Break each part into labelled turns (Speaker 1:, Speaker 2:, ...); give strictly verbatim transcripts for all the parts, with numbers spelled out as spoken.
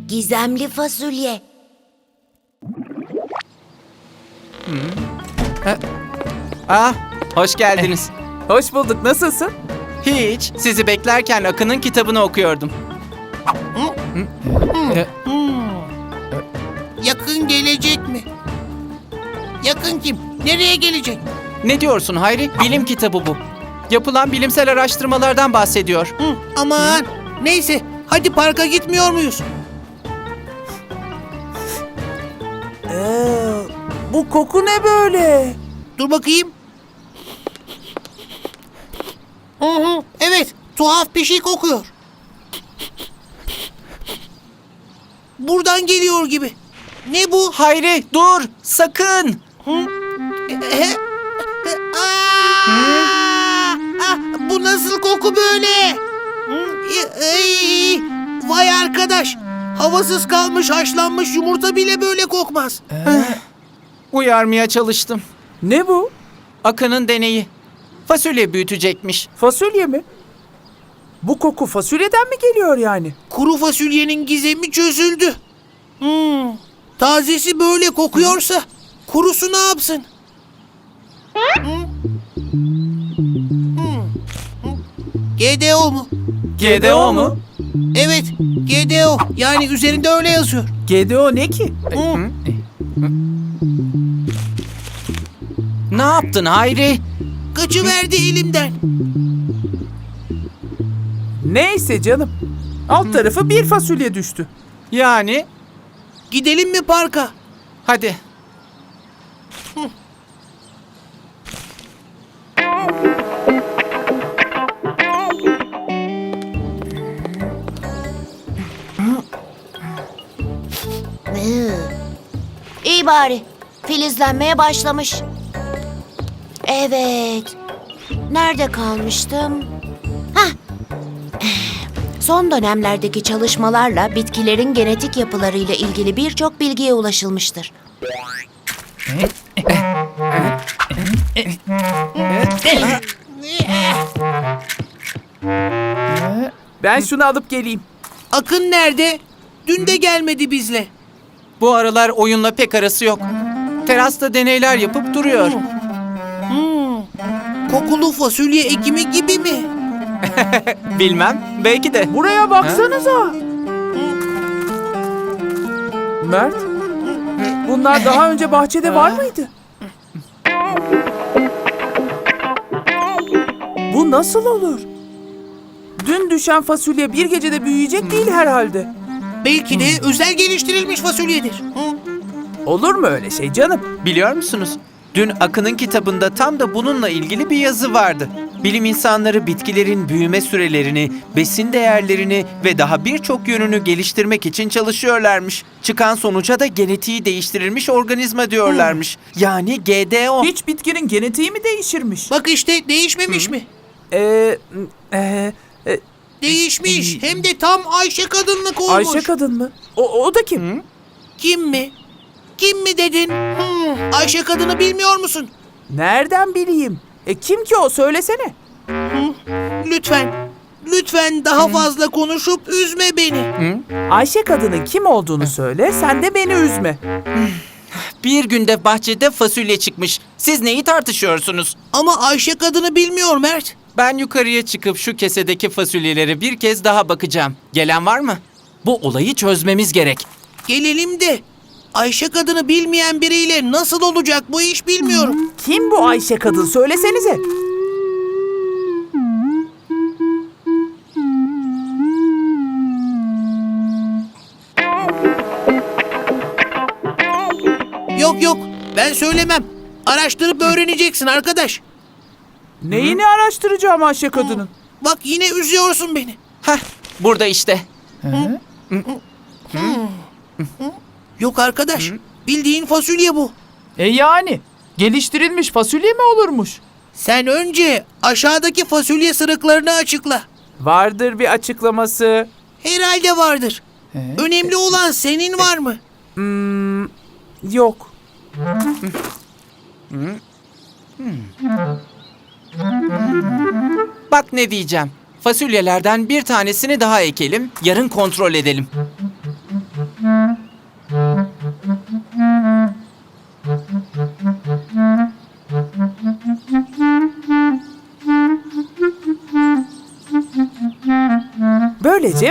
Speaker 1: Gizemli fasulye.
Speaker 2: Ah, hoş geldiniz.
Speaker 3: Hoş bulduk. Nasılsın?
Speaker 2: Hiç, sizi beklerken Akın'ın kitabını okuyordum.
Speaker 4: Yakın gelecek mi? Yakın kim? Nereye gelecek?
Speaker 2: Ne diyorsun Hayri? Bilim kitabı bu. Yapılan bilimsel araştırmalardan bahsediyor.
Speaker 4: Hı, aman. Neyse. Hadi parka gitmiyor muyuz?
Speaker 3: Ee, bu koku ne böyle?
Speaker 4: Dur bakayım. Hı hı. Evet. Tuhaf bir şey kokuyor. Buradan geliyor gibi. Ne bu?
Speaker 2: Hayri, dur! Sakın!
Speaker 4: E, Aa! Ah, bu nasıl koku böyle? Hı, ey, Vay arkadaş. Havasız kalmış haşlanmış yumurta bile böyle kokmaz.
Speaker 2: Uyarmaya çalıştım.
Speaker 3: Ne bu?
Speaker 2: Akın'ın deneyi. Fasulye büyütecekmiş.
Speaker 3: Fasulye mi? Bu koku fasulyeden mi geliyor yani?
Speaker 4: Kuru fasulyenin gizemi çözüldü. Hmm, tazesi böyle kokuyorsa kurusu ne yapsın? Hmm. Hmm. G D O mu?
Speaker 2: G D O mu?
Speaker 4: Evet, G D O. Yani üzerinde öyle yazıyor.
Speaker 3: G D O ne ki?
Speaker 4: Hmm.
Speaker 2: Ne yaptın Hayri?
Speaker 4: Kaçıverdi elimden.
Speaker 3: Neyse canım. Alt tarafı bir fasulye düştü.
Speaker 2: Yani,
Speaker 4: Gidelim mi parka?
Speaker 2: hadi.
Speaker 1: Hı. İyi bari. Filizlenmeye başlamış. Evet. Nerede kalmıştım? Hah. Son dönemlerdeki çalışmalarla bitkilerin genetik yapılarıyla ilgili birçok bilgiye ulaşılmıştır.
Speaker 3: Ben şunu alıp geleyim.
Speaker 4: Akın nerede? Dün de gelmedi bizle.
Speaker 2: Bu aralar oyunla pek arası yok. Terasta deneyler yapıp duruyor.
Speaker 4: Kokulu fasulye ekimi gibi mi?
Speaker 2: Bilmem, belki de.
Speaker 3: Buraya baksanıza. Mert, bunlar daha önce bahçede var mıydı? Bu nasıl olur? Dün düşen fasulye bir gecede büyüyecek değil herhalde.
Speaker 4: Belki de özel geliştirilmiş fasulyedir. Hı?
Speaker 3: Olur mu öyle şey canım?
Speaker 2: Biliyor musunuz? Dün Akın'ın kitabında tam da bununla ilgili bir yazı vardı. Bilim insanları bitkilerin büyüme sürelerini, besin değerlerini ve daha birçok yönünü geliştirmek için çalışıyorlarmış. Çıkan sonuca da genetiği değiştirilmiş organizma diyorlarmış. Yani G D O.
Speaker 3: Hiç bitkinin genetiği mi değişirmiş?
Speaker 4: Bak işte değişmemiş mi?
Speaker 3: Ee, e, e,
Speaker 4: Değişmiş. Hem de tam Ayşe kadınlık olmuş.
Speaker 3: Ayşe kadın mı? O, o da kim?
Speaker 4: Kim mi? Kim mi dedin? Hmm, Ayşe kadını bilmiyor musun?
Speaker 3: Nereden bileyim? E kim ki o? Söylesene.
Speaker 4: Lütfen. Lütfen daha fazla konuşup üzme beni.
Speaker 3: Ayşe kadının kim olduğunu söyle, sen de beni üzme.
Speaker 2: Bir günde bahçede fasulye çıkmış. Siz neyi tartışıyorsunuz?
Speaker 4: Ama Ayşe kadını bilmiyor Mert.
Speaker 2: Ben yukarıya çıkıp şu kesedeki fasulyelere bir kez daha bakacağım. Gelen var mı? Bu olayı çözmemiz gerek.
Speaker 4: Gelelim de Ayşe kadını bilmeyen biriyle nasıl olacak bu iş bilmiyorum.
Speaker 3: Kim bu Ayşe kadın? Söylesenize.
Speaker 4: Yok yok ben söylemem. Araştırıp öğreneceksin arkadaş.
Speaker 3: Neyini araştıracağım Ayşe kadının?
Speaker 4: Bak yine üzüyorsun beni.
Speaker 2: Heh, burada işte.
Speaker 4: Yok arkadaş. Bildiğin fasulye bu.
Speaker 5: E yani geliştirilmiş fasulye mi olurmuş?
Speaker 4: Sen önce aşağıdaki fasulye sırıklarını açıkla.
Speaker 3: Vardır bir açıklaması.
Speaker 4: Herhalde vardır. Önemli olan senin var mı?
Speaker 3: Hmm, yok.
Speaker 2: Bak ne diyeceğim. Fasulyelerden bir tanesini daha ekelim, yarın kontrol edelim.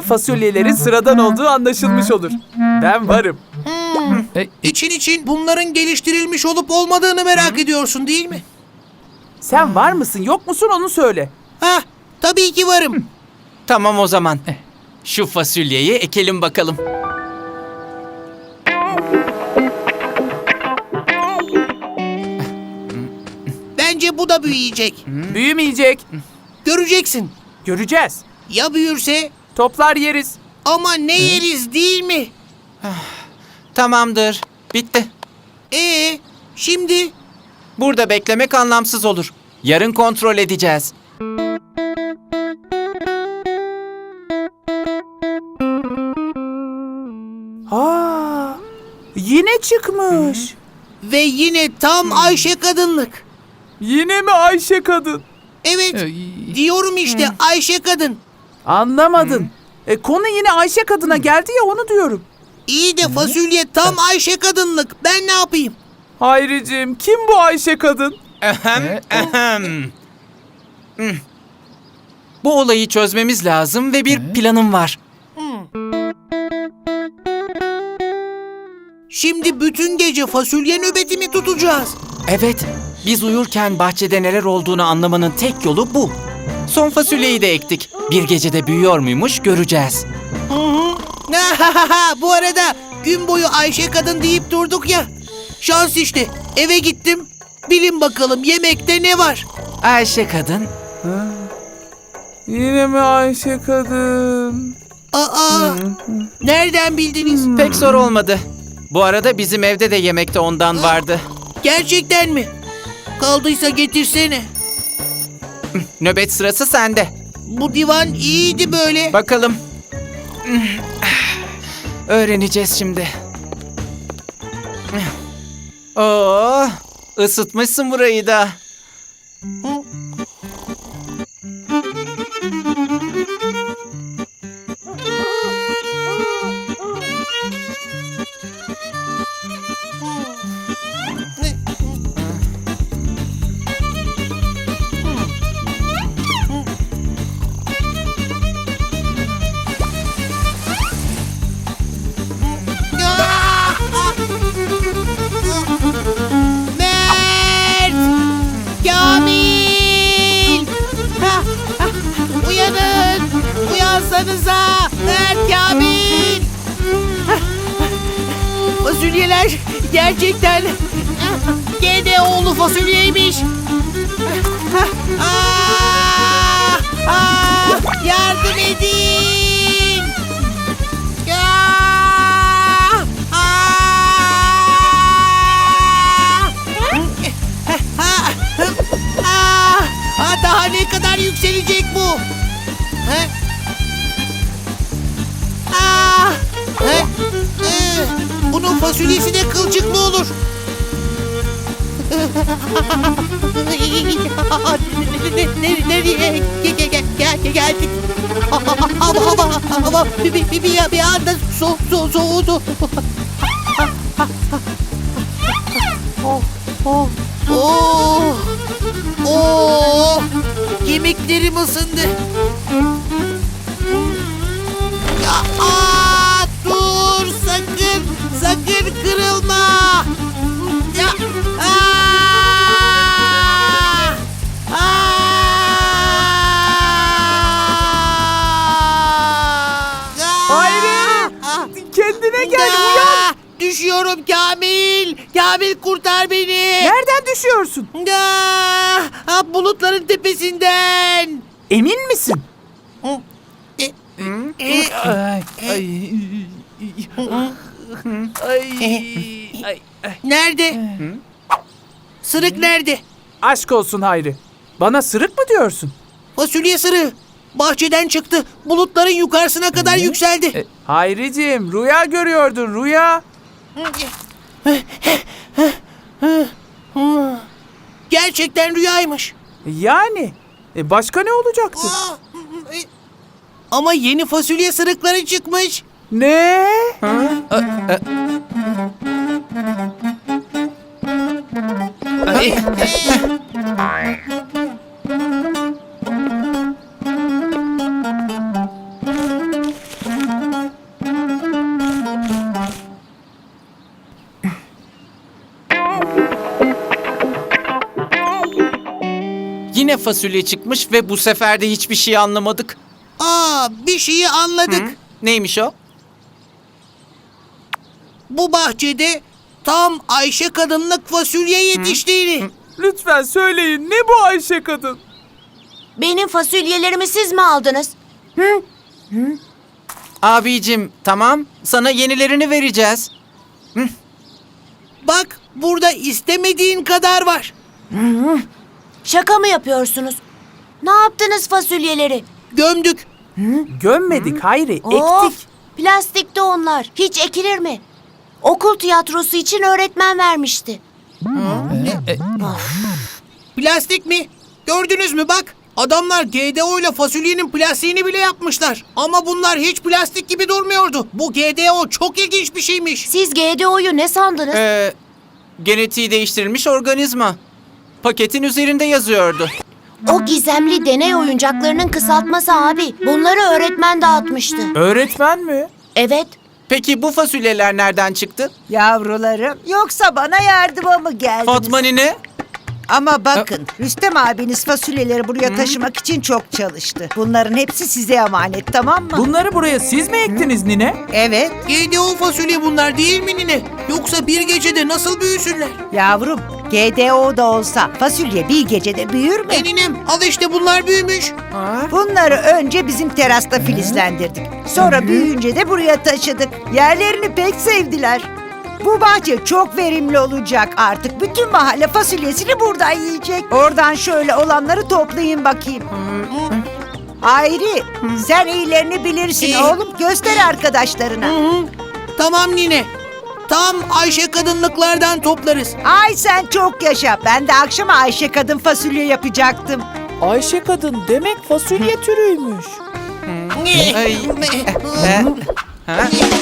Speaker 3: fasulyelerin sıradan olduğu anlaşılmış olur. Ben varım.
Speaker 4: İçin için bunların geliştirilmiş olup olmadığını merak ediyorsun değil mi?
Speaker 3: Sen var mısın yok musun onu söyle.
Speaker 4: Ha, tabii ki varım.
Speaker 2: Tamam o zaman. Şu fasulyeyi ekelim bakalım.
Speaker 4: Bence bu da büyüyecek.
Speaker 3: Büyümeyecek.
Speaker 4: Göreceksin.
Speaker 3: Göreceğiz.
Speaker 4: Ya büyürse?
Speaker 3: Toplar yeriz.
Speaker 4: Ama ne yeriz değil mi?
Speaker 2: Tamamdır. Bitti.
Speaker 4: Ee, şimdi?
Speaker 2: Burada beklemek anlamsız olur. Yarın kontrol edeceğiz.
Speaker 3: Aa, yine çıkmış.
Speaker 4: Ve yine tam Ayşe kadınlık.
Speaker 3: Yine mi Ayşe kadın?
Speaker 4: Evet, diyorum işte Ayşe kadın.
Speaker 3: Anlamadın. E, konu yine Ayşe kadına geldi ya onu diyorum.
Speaker 4: İyi de fasulye tam Ayşe kadınlık. Ben ne yapayım?
Speaker 3: Hayricim kim bu Ayşe kadın?
Speaker 2: Ahem, ahem. Hmm. Bu olayı çözmemiz lazım ve bir planım var.
Speaker 4: Şimdi bütün gece fasulye nöbeti mi tutacağız?
Speaker 2: Evet, biz uyurken bahçede neler olduğunu anlamanın tek yolu bu. Son fasulyeyi de ektik. Bir gecede büyüyor muymuş göreceğiz.
Speaker 4: Bu arada gün boyu Ayşe kadın deyip durduk ya. Şans işte. Eve gittim. Bilin bakalım yemekte ne var?
Speaker 2: Ayşe kadın.
Speaker 3: Yine mi Ayşe kadın?
Speaker 4: Aa, nereden bildiniz?
Speaker 2: Pek zor olmadı. Bu arada bizim evde de yemekte ondan vardı.
Speaker 4: Gerçekten mi? Kaldıysa getirsene.
Speaker 2: Nöbet sırası sende.
Speaker 4: Bu divan iyiydi böyle.
Speaker 2: Bakalım. Öğreneceğiz şimdi. Oo, ısıtmışsın burayı da.
Speaker 4: Mert! Kamil! Ha, ha, uyanın! Uyansanıza! Mert, Kamil! Ha, fasulyeler gerçekten gene oğlu fasulyeymiş. Ha, aa, aa, yardım edin! Ya! Aa, aa, daha ne kadar yükselecek bu? Ha? Aa, ha? Ee, bunun fasulyesi de kılçıklı olur. Ne- Nereye ge- ge- ge- ge- geldik? Hava hava hava bir, bir, bir, bir bir anda so, so, soğudu. Oh, oh, oh, oh, kemiklerim ısındı. Ya, aa, dur sakın, sakın kırılma. Ya, aa, aa.
Speaker 3: Hayri!
Speaker 4: Ah.
Speaker 3: Kendine gel
Speaker 4: Aa,
Speaker 3: uyan.
Speaker 4: düşüyorum Kamil. Kamil kurtar beni.
Speaker 3: Nereden düşüyorsun?
Speaker 4: Aa, ah, bulutların tepesinden.
Speaker 3: Emin misin?
Speaker 4: E, e,
Speaker 3: Ay, ay, ay, ay.
Speaker 4: nerede? Sırık nerede?
Speaker 3: Aşk olsun Hayri. Bana sırık mı diyorsun?
Speaker 4: Fasulye sırığı. Bahçeden çıktı. Bulutların yukarısına kadar yükseldi.
Speaker 3: E, Hayriciğim rüya görüyordun rüya.
Speaker 4: Gerçekten rüyaymış.
Speaker 3: Yani e, başka ne olacaktı?
Speaker 4: Aa, e, Ama yeni fasulye sırıkları çıkmış.
Speaker 3: Ne?
Speaker 2: Ay, yine fasulye çıkmış ve bu sefer de hiçbir şey anlamadık.
Speaker 4: Aa, bir şeyi anladık.
Speaker 2: Neymiş o?
Speaker 4: Bu bahçede tam Ayşe kadınlık fasulye yetiştiğini.
Speaker 3: Lütfen söyleyin, ne bu Ayşe kadın?
Speaker 1: Benim fasulyelerimi siz mi aldınız?
Speaker 2: Abicim tamam, sana yenilerini vereceğiz.
Speaker 4: Bak, burada istemediğin kadar var.
Speaker 1: Şaka mı yapıyorsunuz? Ne yaptınız fasulyeleri?
Speaker 4: Gömdük.
Speaker 3: Gömmedik Hayri,
Speaker 1: Of,
Speaker 3: ektik.
Speaker 1: plastikte onlar. Hiç ekilir mi? Okul tiyatrosu için öğretmen vermişti.
Speaker 4: Plastik mi? Gördünüz mü bak? Adamlar G D O ile fasulyenin plastiğini bile yapmışlar. Ama bunlar hiç plastik gibi durmuyordu. Bu G D O çok ilginç bir şeymiş.
Speaker 1: Siz G D O'yu ne sandınız?
Speaker 2: Ee, genetiği değiştirilmiş organizma. Paketin üzerinde yazıyordu.
Speaker 1: O gizemli deney oyuncaklarının kısaltması abi. Bunları öğretmen dağıtmıştı.
Speaker 3: Öğretmen mi?
Speaker 1: Evet.
Speaker 2: Peki bu fasulyeler nereden çıktı?
Speaker 6: Yavrularım, yoksa bana yardıma mı geldiniz?
Speaker 2: Fatma nine?
Speaker 6: Ama bakın, Rüstem abiniz fasulyeleri buraya taşımak için çok çalıştı. Bunların hepsi size emanet, tamam mı?
Speaker 3: Bunları buraya siz mi ektiniz nine?
Speaker 6: Evet,
Speaker 4: G D O fasulye bunlar değil mi nine? Yoksa bir gecede nasıl büyüsünler?
Speaker 6: yavrum. G D O da olsa fasulye bir gecede büyür mü?
Speaker 4: E ninem, al işte bunlar büyümüş.
Speaker 6: Bunları önce bizim terasta filizlendirdik. Sonra büyüyünce de buraya taşıdık. Yerlerini pek sevdiler. Bu bahçe çok verimli olacak artık. Bütün mahalle fasulyesini buradan yiyecek. Oradan şöyle olanları toplayın bakayım. Hayri, sen iyilerini bilirsin
Speaker 4: İyi.
Speaker 6: oğlum. Göster arkadaşlarına.
Speaker 4: Tamam nine. Tam Ayşe kadınlıklardan toplarız.
Speaker 6: Ay sen çok yaşa. Ben de akşama Ayşe kadın fasulye yapacaktım.
Speaker 3: Ayşe kadın demek fasulye türüymüş.
Speaker 2: Ay. Ha?